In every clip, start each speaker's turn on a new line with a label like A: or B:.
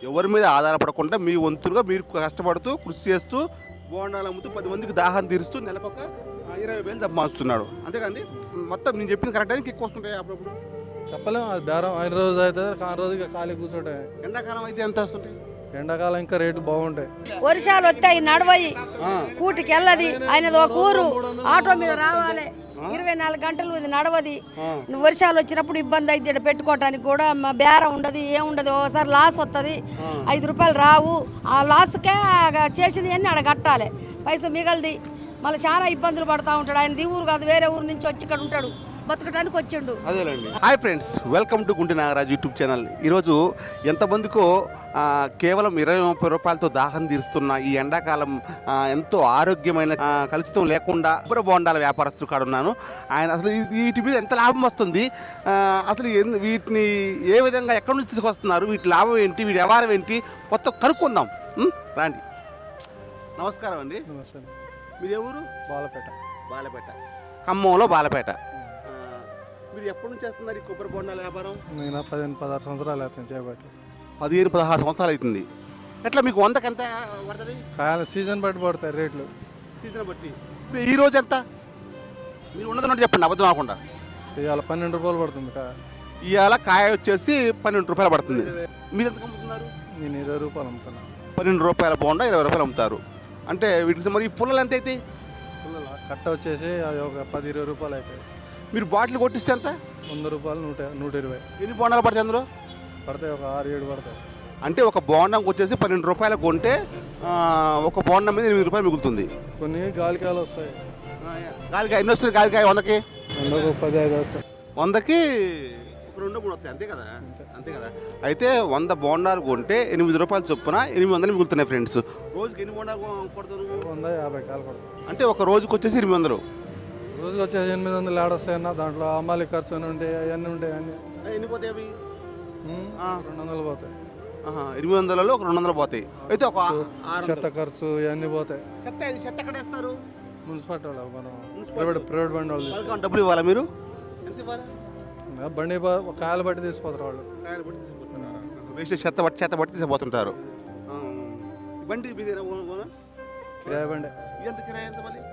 A: ఎవరి మీద ఆధారపడకుండా మీ వంతులుగా మీరు కష్టపడుతూ కృషి చేస్తూ బోండాలు అమ్ముతూ 10 మందికి దాహం తీరుస్తూ నెలకొక 20,000 సంపాదిస్తున్నాడు. అంతేకాండి మొత్తం నేను చెప్పింది కరెక్ట్ అని ఎక్కువ వస్తుంటాయి అప్పుడప్పుడు.
B: చెప్పలేము, అది బేరం అయిన రోజు అవుతుంది, కాని రోజు ఇక ఖాళీ కూర్చోటే.
A: ఎండాకాలం అయితే ఎంత వస్తుంటాయి?
B: ఎండాకాలం ఇంకా రేటు బాగుంటాయి.
C: వర్షాలు వస్తాయి, నడవయి, కూటికి వెళ్ళది. ఆయనది ఒక ఊరు, ఆటో మీద రావాలి, 24 గంటలు ఇది నడవది. వర్షాలు వచ్చినప్పుడు ఇబ్బంది అయితే ఇక్కడ పెట్టుకోవటానికి కూడా బేరం ఉండదు, ఏముండదు. ఒకసారి లాస్ వస్తుంది, 5 రూపాయలు రావు. ఆ లాస్కే చేసింది అన్నీ ఆడ కట్టాలి, పైసలు మిగలది. మళ్ళీ చాలా ఇబ్బందులు పడుతూ ఉంటాడు. ఆయన ఊరు కాదు, వేరే ఊరు నుంచి వచ్చి ఇక్కడ ఉంటాడు, బతకడానికి వచ్చిండు.
A: అదేలేండి. Hi friends, welcome to Gunti Nagaraju YouTube channel. ఈరోజు ఎంతమందికో కేవలం 20-30 రూపాయలతో దాహం తీరుస్తున్న ఈ ఎండాకాలం ఎంతో ఆరోగ్యమైన కలుషితం లేకుండా కొబ్బరి బోండాల వ్యాపారస్తులు కాడ ఉన్నాను. ఆయన అసలు వీటి మీద ఎంత లాభం వస్తుంది, అసలు వీటిని ఏ విధంగా ఎక్కడి నుంచి తీసుకొస్తున్నారు, వీటి లాభం ఏంటి, వీటి వ్యవహారం ఏంటి, మొత్తం కనుక్కుందాం రాండి. నమస్కారం అండి.
B: నమస్తే.
A: మీది ఎవరు?
B: బాలపేట.
A: బాలపేట, ఖమ్మంలో బాలపేట. మీరు ఎప్పటి నుంచి చేస్తున్నారు ఈ కొబ్బరి బోండాల వ్యాపారం?
B: నేను 15-16 సంవత్సరాలు అవుతుంది చేయబట్టి.
A: 15-16 సంవత్సరాలు అవుతుంది. ఎట్లా మీకు 100కి ఎంత పడుతుంది?
B: కాయలు సీజన్ బట్టి పడతాయి రేట్లు.
A: సీజన్ బట్టి. ఈ రోజు ఎంత మీరు ఉన్నది చెప్పండి, అబద్ధం కాకుండా.
B: ఇవాళ 12 రూపాయలు పడుతుంది కాయ.
A: ఇవాళ కాయ వచ్చేసి 12 రూపాయలు పడుతుంది. మీరు ఎంత అమ్ముతున్నారు?
B: నేను 20 రూపాయలు అమ్ముతున్నాను.
A: 12 రూపాయల బోండా 20 రూపాయలు అమ్ముతారు. అంటే వీటికి మరి ఈ పుల్లలు ఎంత అవుతాయి?
B: కట్ట వచ్చేసి అది ఒక 10-20 రూపాయలు అవుతాయి.
A: మీరు బాటిల్ కొట్టిస్తే ఎంత?
B: 100 రూపాయలు, 120.
A: ఎన్ని బోండాలు పడతాయి అందులో?
B: పడతాయి ఒక 6-7 పడతాయి.
A: అంటే ఒక బోండంకి వచ్చేసి 12 రూపాయలు కొంటే ఒక బోండం మీద 8 రూపాయలు మిగులుతుంది.
B: కొన్ని గాలికాయలు వస్తాయి.
A: గాలికాయ ఎన్ని వస్తుంది? గాలికాయ 100కి
B: 15 వస్తాయి.
A: 100కి ఒక 2-3 వస్తాయి, అంతే కదా? అంతే కదా. అయితే 100 బోండాలు కొంటే 8 రూపాయలు చొప్పున 800 మిగులుతున్నాయి ఫ్రెండ్స్. రోజుకి ఎన్ని బోండాలు కొడతారు?
B: 150 కాయలు పడతాయి.
A: అంటే ఒక రోజుకి వచ్చేసి 800.
B: రోజుకి వచ్చేసి 800 ఆడొస్తాయన్న. దాంట్లో అమ్మాలి ఖర్చు అని ఉంటాయి, అవన్నీ ఉంటాయి. అన్నీ
A: ఎన్ని పోతాయి అవి?
B: 200 పోతాయి.
A: 800లో ఒక 200 పోతాయి. అయితే ఒక
B: చెత్త ఖర్చు ఇవన్నీ పోతాయి.
A: చెత్త ఎక్కడ వేస్తారు?
B: మున్సిపాలిటీ వాళ్ళు, మనం ప్రైవేట్ బండి వాళ్ళు.
A: డబ్బులు ఇవ్వాలా మీరు? ఎంత ఇవ్వాలి?
B: బండి కాయలు బట్టి తీసిపోతారు వాళ్ళు.
A: కాయలు బట్టి తీసుకుపోతారా? వేస్ట్ చెత్త బట్టి తీసుకుపోతుంటారు. బండి మీదేనా?
B: కిరాయి బండి.
A: ఎంత కిరాయి ఎంత మళ్ళీ?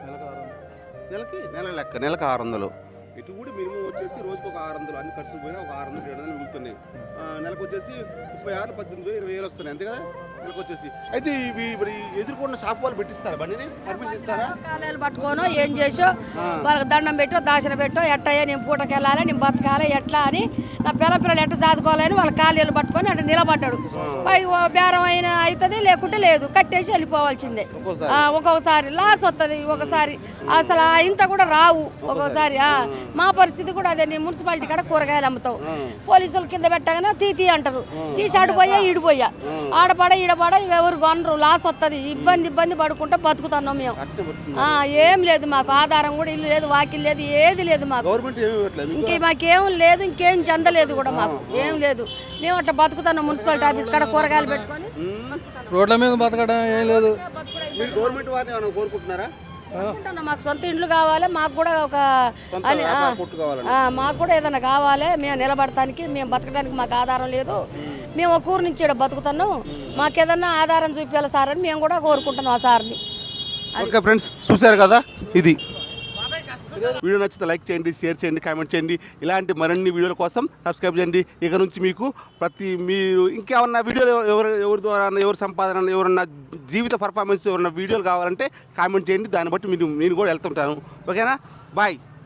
B: నెలకు 600.
A: నెల లెక్క, నెలకు 600. ఇటు కూడా మినిమం వచ్చేసి రోజుకి ఒక 600, అన్ని ఖర్చులు పోయినా ఒక 600-700 మిగులుతున్నాయి. నెలకు వచ్చేసి 36, 18, 20 వస్తున్నాయి, అంతే కదా నెలకు వచ్చేసి. అయితే ఇవి మరి ఎదుర్కొన్న షాప్ వాళ్ళు పెట్టిస్తారా బండిని? పర్మిషన్ ఇస్తారా?
C: కాలేలు పట్టుకోను ఏం చేసో వాళ్ళకి దండం పెట్టో దాచిన పెట్టో ఎట్టయ్యా నేను పూటకి వెళ్ళాలి, నేను బతకాలి ఎట్లా అని, నా పిల్లలు ఎట్ట చదువుకోవాలని వాళ్ళ కాలేలు పట్టుకొని అట్లా నిలబడ్డాడు. బేరం అయినా అవుతుంది, లేకుంటే లేదు, కట్టేసి వెళ్ళిపోవాల్సిందే. ఒక్కొక్కసారి లాస్ వస్తుంది, ఒకసారి అసలు ఇంత కూడా రావు. ఒక్కొక్కసారి మా పరిస్థితి కూడా అదే. నేను మున్సిపాలిటీ కాడ కూరగాయలు అమ్ముతావు, పోలీసులు కింద పెట్టగానే తీతి అంటారు, తీసి ఆడిపోయా ఈడిపోయా, ఆడపడ ఈడపడ ఎవరు కొనరు, లాస్ వస్తుంది. ఇబ్బంది పడుకుంటే బతుకుతున్నాం మేము. ఏం లేదు మాకు, ఆధారం కూడా ఇల్లు లేదు, వాకిల్ లేదు, ఏది లేదు మాకు. ఇంకే మాకేం లేదు, ఇంకేం చెందలేదు కూడా మాకు, ఏం లేదు. మేము అట్లా బతుకుతున్నాం. మున్సిపాలిటీ ఆఫీస్ కాడ కూరగాయలు పెట్టుకొని
B: రోడ్ల మీద బతకడం ఏం లేదు.
A: గవర్నమెంట్ వారిని ఏమైనా కోరుకుంటున్నారా?
C: మాకు సొంత ఇండ్లు కావాలి, మాకు కూడా ఒక మాకు కూడా ఏదైనా కావాలి. మేము నిలబడటానికి, మేము బతకడానికి మాకు ఆధారం లేదు. మేము ఒక ఊరు నుంచి బతుకుతున్నాం, మాకు ఏదన్నా ఆధారం చూపించాలి సార్ అని మేము కూడా కోరుకుంటున్నాం ఆ సార్ని.
A: ఓకే ఫ్రెండ్స్, చూశారు కదా, ఇది వీడియో నచ్చితే లైక్ చేయండి, షేర్ చేయండి, కామెంట్ చేయండి. ఇలాంటి మరిన్ని వీడియోల కోసం సబ్స్క్రైబ్ చేయండి. ఇక నుంచి మీకు మీరు ఇంకేమన్నా వీడియోలు ఎవరి ద్వారా ఎవరి సంపాదన, ఎవరన్నా జీవిత పర్ఫార్మెన్స్ ఎవరన్నా వీడియోలు కావాలంటే కామెంట్ చేయండి. దాన్ని బట్టి నేను కూడా వెళ్తుంటాను. ఓకేనా? బాయ్.